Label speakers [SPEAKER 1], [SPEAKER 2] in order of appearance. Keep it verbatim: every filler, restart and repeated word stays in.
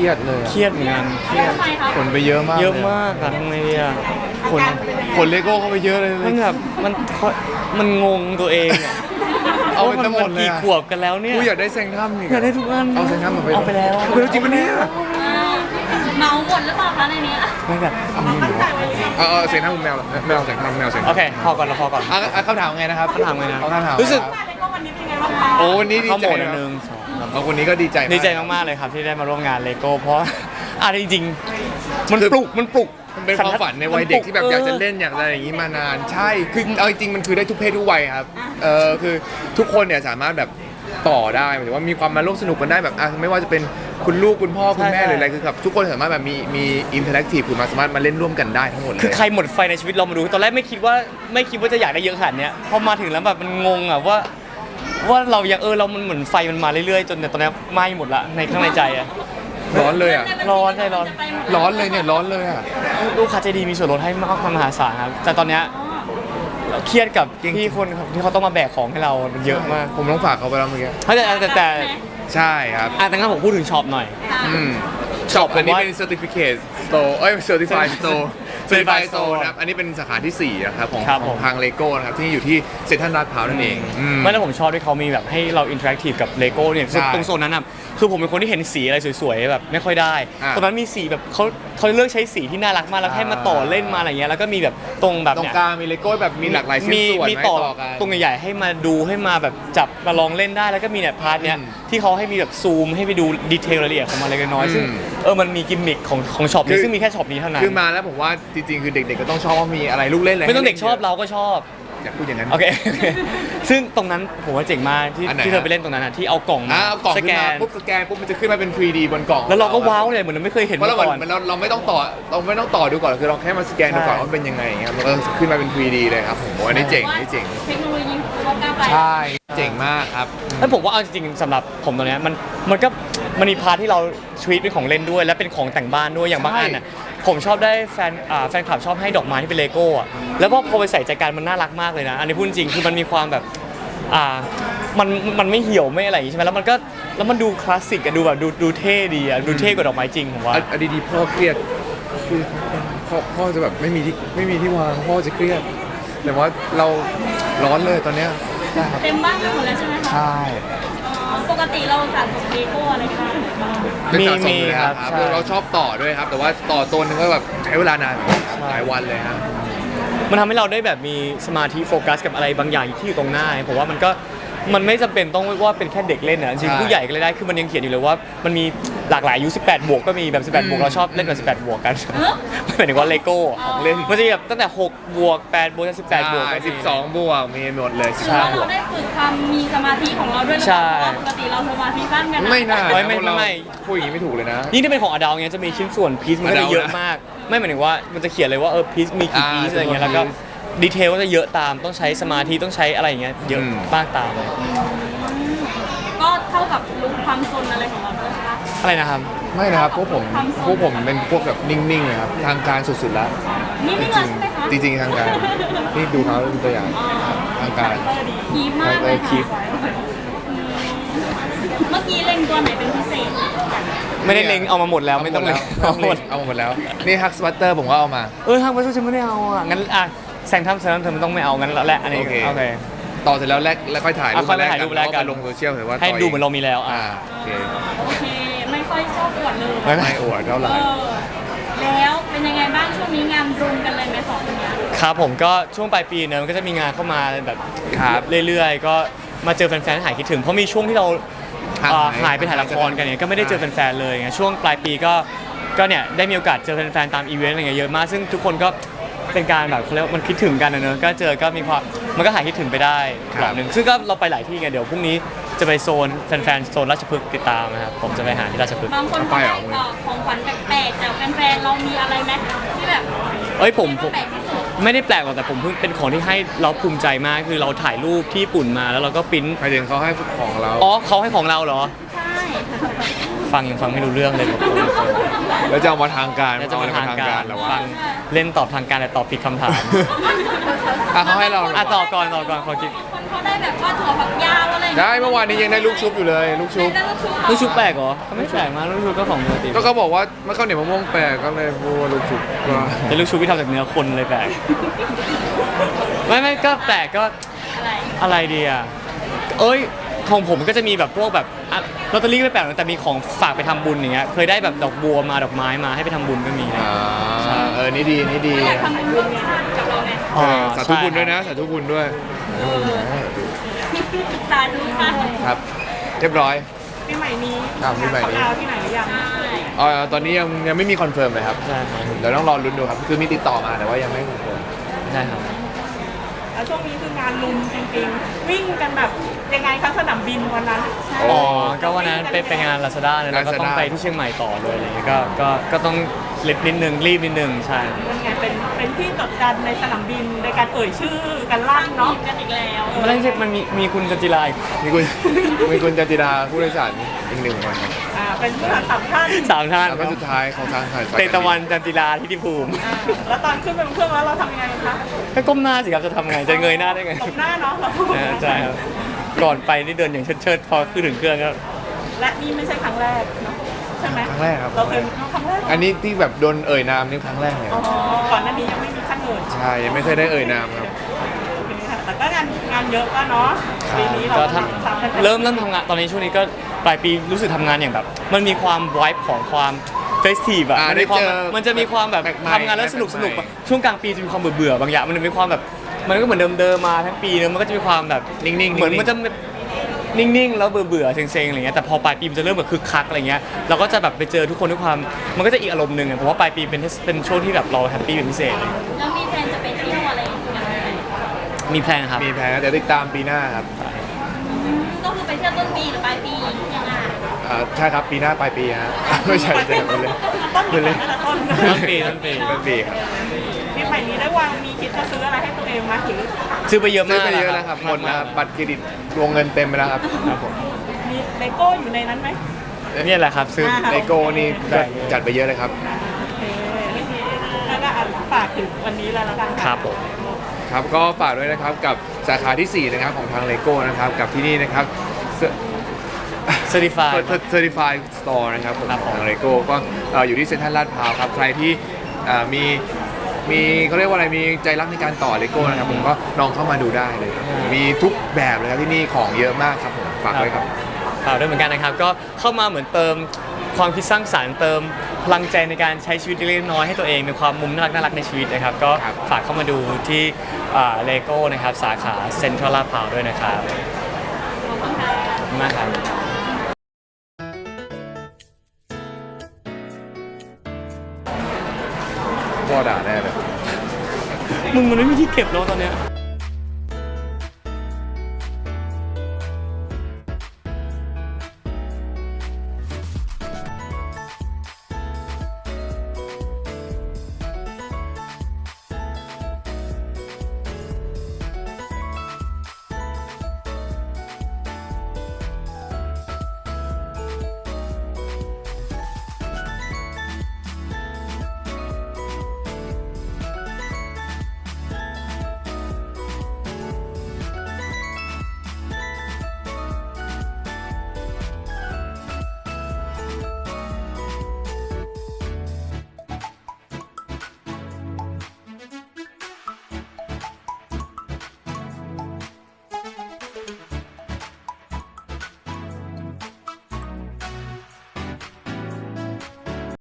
[SPEAKER 1] รียดเลย
[SPEAKER 2] เครียดเหมือนกันเครียด
[SPEAKER 1] คนไปเยอะมาก
[SPEAKER 2] เยอะมากอะทำไงดีอะ
[SPEAKER 1] คนคนเลโก้เข้าไปเยอะเลย
[SPEAKER 2] มันแบบมันมันงงตัวเองอะ
[SPEAKER 1] เอาไปทั้งหมดเลย
[SPEAKER 2] กี่ขวบกันแล้วเนี่ย
[SPEAKER 1] กูอยากได้แซงถ้ำนี่
[SPEAKER 2] อยากได้ทุกอัน
[SPEAKER 1] เอาแซงถ้ำมาไป
[SPEAKER 2] เอาไปแล้ว
[SPEAKER 1] เอาไปแล้วจริงปะเนี่ย
[SPEAKER 3] เมาหมดหรือเปล่าคะในนี้
[SPEAKER 2] ไม่แบบ
[SPEAKER 1] เอามือหนูเอาเอาแซงถ้ำแมวแมวแซงถ้ำแมวแซง
[SPEAKER 2] โอเคพอก่อนเราพอก่อน
[SPEAKER 1] อ่ะคำถามไงนะครับ
[SPEAKER 2] คำถามไงนะ
[SPEAKER 1] เขาถาม
[SPEAKER 2] รู้สึก
[SPEAKER 1] โอ้วันนี้ดีใจ
[SPEAKER 2] นะหนึ่งสอง
[SPEAKER 1] เอาคนนี้ก็ดีใจ
[SPEAKER 2] ดีใจมากๆเลยครับที่ได้มาร่วมงานเลโก้เพราะอ่ะจริงๆมันปลุกมันปลุก
[SPEAKER 1] มันเป็นความฝันในวัยเด็กที่แบบอยากจะเล่นอยากอะไรอย่างนี้มานานใช่คือเอาจริงๆมันคือได้ทุกเพศทุกวัยครับเออคือทุกคนเนี่ยสามารถแบบต่อได้หมายถึงว่ามีความมาร่วมสนุกกันได้แบบอ่ะไม่ว่าจะเป็นคุณลูกคุณพ่อคุณแม่หรืออะไรคือแบบทุกคนสามารถแบบมีมีอินเทอร์แอคทีฟคือมาสามารถมาเล่นร่วมกันได้ทั้งหมดเลย
[SPEAKER 2] คือใครหมดไฟในชีวิตเรามาดูตอนแรกไม่คิดว่าไม่คิดว่าจะอยากได้เยอะขนาดนี้พอมาถึงแล้วแบบมันงงอ่ะว่าว่าเรายังเออเรามันเหมือนไฟมันมาเรื่อยๆจนตอนนี้ไหม้หมดละในข้างในใจอ่ะ
[SPEAKER 1] ร้อนเลยอ่ะ
[SPEAKER 2] ร้อนใช่ร้อน
[SPEAKER 1] ร้อนเลยเนี่ยร้อนเลยอ่ะ
[SPEAKER 2] ลูกค้าใจดีมีส่วนลดให้มากมหาศาลครับแต่ตอนเนี้ยเครียดกับพี่คนที่เขาต้องมาแบกของให้เรามันเยอะมาก
[SPEAKER 1] ผมต้องฝากเขาไปแล้วเมื่อกี้
[SPEAKER 2] แต่แต่แต่
[SPEAKER 1] ใช่ครับ
[SPEAKER 2] อ่ะแต่งั้นผมพูดถึงช็อปหน่อย
[SPEAKER 1] อืมช็อปอันนี้เป็น certificate store เอ้ย certified store certified store นะครับอันนี้เป็นสาขาที่สี่นะครับของของทางเลโก้นะครับที่อยู่ที่เซ็นทรัลลาดพร้าวนั่นเอง
[SPEAKER 2] ไม่แล้วผมชอบที่เขามีแบบให้เราอินเทอร์แอคทีฟกับเลโก้เนี่ยตรงโซนนั้นอ่ะคือผมเป็นคนที่เห็นสีอะไรสวยๆแบบไม่ค่อยได้ตรงนั้นมีสีแบบเขาเขาเลือกใช้สีที่น่ารักมากแล้วให้มาต่อเล่นมาอะไรเงี้ยแล้วก็มีแบบตรงแบบ
[SPEAKER 1] ตรงกลางมีเลโก้แบบมีหลากหลายชิ้นส่วน
[SPEAKER 2] มีต่อตรงใหญ่ๆให้มาดูให้มาแบบจับมาลองเล่นได้แล้วก็มีเนี่ยพาร์ทเนี้ยที่เขาให้มีแบบซูมให้ไปดูดีเทลรายละเอียดของมันเล็กน้อยซึ่งเออมันมีกิมมิคของของช็อปนี้ซึ่งมีแค่ช็อปนี้เท่านั้น
[SPEAKER 1] คือมาแล้วผมว่าจริงๆคือเด็กๆก็ต้องชอบว่ามีอะไรลูกเล่นอะไร
[SPEAKER 2] ไม่ต้องเด็กชอบเราก็ชอบ
[SPEAKER 1] อยากพูดอย่างนั้น
[SPEAKER 2] โอเคซึ่งตรงนั้นผมว่าเจ๋งมากที่ที่เธอไปเล่นตรงนั้นอ่ะที่เอากล่องมา
[SPEAKER 1] สแกนปุ๊บสแกนปุ๊บมันจะขึ้นมาเป็น ทรี ดี บนกล่อง
[SPEAKER 2] แล้วเราก็ว้าวเลยเหมือนเราไม่เคยเห็นมาก่อน
[SPEAKER 1] เราเราไม่ต้องต่อเราไม่ต้องต่อดูก่อนคือเราแค่มาสแกนดูก่อนว่าเป็นยังไงเงี้ยมันก็ขึ้นมาเป็น ทรี ดี เลยครับผมว่าอันนี้เจ๋งนี่เจ๋ง
[SPEAKER 3] เทคโนโลยีเขาก้าวไป
[SPEAKER 1] ใช่เจ๋งมากครับ
[SPEAKER 2] แล้วผมว่าเอาจริงๆสำหรับผมตอนนี้มันมันก็มันมีพาร์ทที่เราทวีตเป็นของเล่นด้วยและเป็นของแต่งบ้านด้วยอย่างบางอันน่ะผมชอบได้แฟนอ่าแฟนคลับชอบให้ดอกไม้ที่เป็นเลโก้อะแล้วพอพอไปใส่ใจกันมันน่ารักมากเลยนะอันนี้พูดจริงคือมันมีความแบบอ่ามันมันไม่เหี่ยวไม่อะไรอย่างงี้ใช่ไหมแล้วมันก็แล้วมันดูคลาสสิกอะดูแบบดูดูเท่ดีอะดูเท่กว่าดอกไม้จริงผมว่า
[SPEAKER 1] อดีๆพ่อเครียดคือพ่อพ่อจะแบบไม่มีที่ไม่มีที่วางพ่อจะเครียดแต่ว่าเราร้อนเลยตอนเนี้ย
[SPEAKER 3] เต็มบ้านไปหมดแล้วใช่ไหมคะ
[SPEAKER 1] ใช่
[SPEAKER 3] ปกติเราสะสมเลโก้อะไรกัน
[SPEAKER 2] มีมีครับ
[SPEAKER 1] เราชอบต่อด้วยครับแต่ว่าต่อตัวนึงก็แบบใช้เวลานานหลายวันเลยครับ
[SPEAKER 2] มันทำให้เราได้แบบมีสมาธิโฟกัสกับอะไรบางอย่างที่อยู่ตรงหน้าผมว่ามันก็มันไม่จำเป็นต้องว่าเป็นแค่เด็กเล่นนะจริงผู้ใหญ่ก็เลยได้คือมันยังเขียนอยู่เลยว่ามันมีหลากหลายอายุสิบแปดบวกก็มีแบบสิบแปดบวกเราชอบเล่นแบบสิบแปดบวกกันไม่หมายถึงว่าเลโก้ของเล่นมันจะแบบตั้งแต่หกบวกแปดบวกสิบแปดบวก
[SPEAKER 1] สิบสองบวกมีหมดเลย
[SPEAKER 3] ใช่เราได้ฝึกความมีสมาธิของเราด้วยหรือเปล่าปกติเราสมาธิสั้นกัน
[SPEAKER 1] ไม่น่า
[SPEAKER 2] ไม่ไม่ไม่
[SPEAKER 1] พูดอย่างนี้ไม่ถูกเลยนะ
[SPEAKER 2] ยิ่งที่เป็นของอดาลเงี้ยจะมีชิ้นส่วนพีซมันก็จะเยอะมากไม่หมายถึงว่ามันจะเขียนเลยว่าเออพีซมีกี่พีซอะไรเงี้ยแล้วก็ดีเทลก็จะเยอะตามต้องใช้สมาธิต้องใช้อะไรอย่างเงี้ยเยอะมากตามเลย
[SPEAKER 3] ก็เท่ากับลุคความซนอะไรของเราด้วยคะ
[SPEAKER 2] อะไรนะครับ
[SPEAKER 1] ไม่นะครับพวกผมพวกผมเป็นพวกแบบนิ่งๆเลยครับทางการสุดๆแล้ว
[SPEAKER 3] นิ่งๆเลยใช่ไหมคะ
[SPEAKER 1] จริงๆทางการนี่ดูเขาเป็นตัวอย่างทางการ
[SPEAKER 3] คีบมากเลยคีบเมื่อกี้เล็งตัวไหนเป็นพิเศษ
[SPEAKER 2] ไม่ได้เล็งเอามาหมดแล้วไม่ต้องเล็งเอาหมด
[SPEAKER 1] เอาหมดแล้วนี่ฮักสวัตเตอร์ผมก็เอามา
[SPEAKER 2] เออฮักสวัตเตอร์ฉันไม่ได้เอาอ่ะงั้นอ่ะแซงทำแซงทำเธอมันต้องไม่เอางั้นแล้วแหละอันนี้โอเค
[SPEAKER 1] ต่อเสร็จแล้วแลกแล้วค่อยถ่ายรูปแลกกัน
[SPEAKER 2] แล้ว
[SPEAKER 1] ก็ลงโซเชียลเห็นว่า
[SPEAKER 2] ให้ดูเหมือนเรามีแล้วอ่า
[SPEAKER 3] โอเคโอเคไม่ค่อยชอบอวดเลย
[SPEAKER 1] ไม่อวดเท่าไหร่
[SPEAKER 3] แล้วเป็นยังไงบ้างช่วงนี้งานรุมกันเลยไหมสองคนนี้
[SPEAKER 2] ครับผมก็ช่วงปลายปีเนอะมันก็จะมีงานเข้ามาแบบเรื่อยๆก็มาเจอแฟนๆหายคิดถึงเพราะมีช่วงที่เราหายไปถ่ายละครกันเนี่ยก็ไม่ได้เจอแฟนๆเลยไงช่วงปลายปีก็ก็เนี่ยได้มีโอกาสเจอแฟนๆตามอีเวนต์อะไรเงี้ยเยอะมากซึ่งทุกคนก็เป็นการแบบเขาเรียกมันคิดถึงกันนะเนอะก็เจอก็มีความมันก็หายคิดถึงไปได้กรอบหนึ่งซึ่งก็เราไปหลายที่ไงเดี๋ยวพรุ่งนี้จะไปโซนแฟนๆโซนราชพฤกษ์ติดตามนะครับผมจะไปหาที่ราชพฤกษ์
[SPEAKER 3] บางคนไปของขวัญแปลกๆแต่แฟนๆเรามีอะไรไหมที่แบบ
[SPEAKER 2] เอ้ยผมไม่ได้แปลกหรอกแต่ผมเพิ่งเป็นของที่ให้เราภูมิใจมากคือเราถ่ายรูปที่ญี่ปุ่นมาแล้วเราก็ปริ้น
[SPEAKER 1] หมายถึงเขาให้ของเรา
[SPEAKER 2] อ๋อเขาให้ของเราเหรอ
[SPEAKER 3] ใช่
[SPEAKER 2] ฟังยังฟังไม่รู้เรื่องเลยผม
[SPEAKER 1] แล้วจะเอามาทางการ
[SPEAKER 2] จะมาทางการแล้วฟังเล่นตอบทางการแต่ตอบผิดคำถาม
[SPEAKER 1] อ่ะเขาให้เรา
[SPEAKER 2] อ่ะตอบก่อนตอบก่อนขอคิด
[SPEAKER 3] คนเขาได้แบบว่าถั่วฝักยาวอะไรอย่าง
[SPEAKER 1] ได้
[SPEAKER 3] เงี้ย
[SPEAKER 1] เมื่อวานนี้ยังได้ลูกชุบอยู่เลยลูกชุบ
[SPEAKER 3] ได้ลูกชุบ
[SPEAKER 2] ลูกชุบแปลกเหรอก็ไม่แปลกมากลูกชุบก็ของปกติ
[SPEAKER 1] ก็เขาบอกว่าเมื่อข้าวเหนียวมะม่วงแปลกก็เลยพูดว่าลูกชุบก็
[SPEAKER 2] แต่ลูกชุบที่ทำจากเนื้อคนเลยแปลกไม่ไม่ก็แปลกก็
[SPEAKER 3] อะไร
[SPEAKER 2] อะไรดีอ่ะเอ้ยของผมก็จะมีแบบพวกแบบอ่ะลอตเตอรี่ก็ไม่แปลกแต่มีของฝากไปทำบุญอย่างเงี้ยเคยได้แบบดอกบัวมาดอกไม้มาให้ไปทำบุญก็มีนะ
[SPEAKER 1] อ่าเออนี่ดีนี่ดี
[SPEAKER 3] อยากทำบุญร่วมชาติกับเราไง
[SPEAKER 1] เออสาธุบุญด้วยนะสาธุบุญด้วย
[SPEAKER 3] สาธุค่ะ
[SPEAKER 1] ครับ เรียบร้อย
[SPEAKER 4] ปีใหม่นี้
[SPEAKER 1] อ่าปีใหม่นี้
[SPEAKER 4] เขาดาวน์ที่ไหนหรือยัง
[SPEAKER 1] เอ่อตอนนี้ยังยังไม่มีคอนเฟิร์มเลยครับ
[SPEAKER 2] ใช่ครับ
[SPEAKER 1] เดี๋ยวต้องรอลุ้นดูครับคือมีติดต่อมาแต่ว่ายังไม่คอนเฟิร์ม
[SPEAKER 2] ใช่ครับ
[SPEAKER 4] แล้วช่วงนี้คืองานลุมจริงๆ วิ่งกันแบบยังไงคะสนามบินวันนั้น
[SPEAKER 2] อ๋อก็วันนั้นไปไปงาน Lazada เนี่ยแล้วก็ต้อง
[SPEAKER 1] Lazada
[SPEAKER 2] ไปที่เชียงใหม่ต่อเลยอะไรเงี้ยก็ก็ก็ต้องรีบนิดนึงรีบนิดนึงใช่
[SPEAKER 4] มันไงเป็นเป็นที่จดจันในสนามบินในการเอ่ยชื่อกันลั่น
[SPEAKER 3] เนาะ
[SPEAKER 4] เนาะ
[SPEAKER 3] กันอีกแล้ว
[SPEAKER 2] มันไม่ใช่มันมีมีคุณจันจิราอีก
[SPEAKER 1] มีคุณ มีคุณจันจิดาผู้โดยสารอีกหนึ่งคนครับ
[SPEAKER 4] อ่าเป็นผู้โดยสารสามท่าน
[SPEAKER 2] สามท่าน
[SPEAKER 1] แล้วก็สุดท้ายของทางสายสาย
[SPEAKER 2] เตตะวันจันจิราทิติภูมิ
[SPEAKER 4] อ่าแล้วตอนขึ้นไปบนเครื่องแล้วเราทำยังไงคะ
[SPEAKER 2] ก็ก้มหน้าสิครับจะทำไงจะเงยหน้าได้ไง
[SPEAKER 4] ตบหน้าเนาะเรา
[SPEAKER 2] เออใช่ครับก่อนไปนี่เดินอย่างเชิดๆพอขึ้นถึงเครื่องก็
[SPEAKER 4] และนี่ไม่ใช่ครั้งแรกเนาะใช่ไหม
[SPEAKER 1] ครั้งแรกครับ
[SPEAKER 4] เราเคยครั้งแรก
[SPEAKER 1] อันนี้ที่แบบโดนเอ่ยนามนี่ครั้งแรกเลย
[SPEAKER 4] อ๋อก่อนหน้านี้ยังไม่มีขั้นเอ่ย
[SPEAKER 1] ใช่ยังไม่เคยได้เอ่ยนามครับ
[SPEAKER 4] แต่ก็งานงานเยอะก็เนาะปีนี้เรา
[SPEAKER 2] ก็
[SPEAKER 4] ก็
[SPEAKER 2] ท
[SPEAKER 4] ทำสามพัน
[SPEAKER 2] ำเริ่มเริ่มทำงานตอนนี้ช่วงนี้ก็ปลายปีรู้สึกทำงานอย่างแบบ มันมีความไวบ์ของความเฟสทีฟอะ
[SPEAKER 1] อ่า
[SPEAKER 2] มันมีความ
[SPEAKER 1] ได้เจอ
[SPEAKER 2] มันจะมีความแบบ
[SPEAKER 1] แปลกใหม่
[SPEAKER 2] ทำงานแล้วสนุกสนุก
[SPEAKER 1] แปลกใหม่
[SPEAKER 2] ช่วงกลางปีจะมีความเบื่อเบื่อๆบางอย่างมันจะมีความแบบมันก็เหมือนเดิมๆมาทั้งปีเนอะมันก็จะมีความแบบ
[SPEAKER 1] นิ่งๆ
[SPEAKER 2] เหมือน
[SPEAKER 1] นิ่งๆ
[SPEAKER 2] มันจะนิ่งๆแล้วเบื่อเบื่อๆเซ็งๆอะไรเงี้ยแต่พอปลายปีมันจะเริ่มแบบคึกคักอะไรเงี้ยเราก็จะแบบไปเจอทุกคนด้วยความมันก็จะอีกอารมณ์หนึ่งอะเพราะว่าปลายปีเป็นเป็นช่วงที่แบบเราแฮปปี้เป็นพิเศษเลย
[SPEAKER 3] แล้วมีแพลนจะไปเที่ยวอะไรอย่างเงี้ย
[SPEAKER 2] มีแพลนครับ
[SPEAKER 1] มีแผนแต่ติดตามปีหน้าครับ
[SPEAKER 3] ก็คือไปเที่ยวต้นปีหรือปลายปียังไง
[SPEAKER 1] อ่าใช่ครับปีหน้าปลายปีฮะ ไม่ใช่ใช่ไปเลย
[SPEAKER 4] ต้น
[SPEAKER 1] ไป
[SPEAKER 4] ปี
[SPEAKER 1] เลย
[SPEAKER 4] แต่ละต้น
[SPEAKER 2] ต้นปีต้นปี
[SPEAKER 1] ต้นปีครับ
[SPEAKER 4] ปีใหม่นี้ได้วางมีคิดจะซื้ออะไรให้ตัวเองไหมหรือ
[SPEAKER 2] ซื้อไปเยอะ
[SPEAKER 1] ซื้อ
[SPEAKER 2] มาก
[SPEAKER 1] ไปเยอะแล้วครับหมดแล้วครับบัตรเครดิตวงเงินเต็มไปแล้วครับครับผม
[SPEAKER 4] มีเลโก้อยู่ในนั้นไหม
[SPEAKER 2] เนี่ยแหละครับซื้อ
[SPEAKER 1] เลโก้นี่จัดจัดไปเยอะเลยครับ
[SPEAKER 4] โอเคแล้วก็อ่ะฝากถึงวันนี้เลยแล้วกัน
[SPEAKER 2] ครับผม
[SPEAKER 1] ครับก็ฝากด้วยนะครับกับสาขาที่สี่นะครับของทางเลโก้นะครับกับที่นี่นะครับ
[SPEAKER 2] Certified
[SPEAKER 1] Certified Store นะครับผม
[SPEAKER 2] ครับผม
[SPEAKER 1] ทางเลโก้ก็เอ่ออยู่ที่เซ็นทรัลลาดพร้าวครับใครที่เอ่อมีมีเขาเรียกว่าอะไรมีใจรักในการต่อเลโก้นะครับผมก็ลองเข้ามาดูได้เลย มีทุกแบบเลยครับที่นี่ของเยอะมากครับผมฝากด้วยครับ
[SPEAKER 2] ฝากด้วยเหมือนกันนะครับ ก็เข้ามาเหมือนเติมความคิดสร้างสรรค์เติมพลังใจในการใช้ชีวิตเล็กๆน้อยๆให้ตัวเองมีความมุมน่ารักน่ารักในชีวิตนะครับ ก็
[SPEAKER 1] ครับ
[SPEAKER 2] ฝากเข้ามาดูที่เลโก้นะครับสาขาเซ็นทรัลลาดพร้าวด้วยนะครับขอบคุณมากครับ
[SPEAKER 1] พ่อด่าแน่เลย
[SPEAKER 2] มึงมันไม่มีที่เก็บแล้วตอนเนี้ย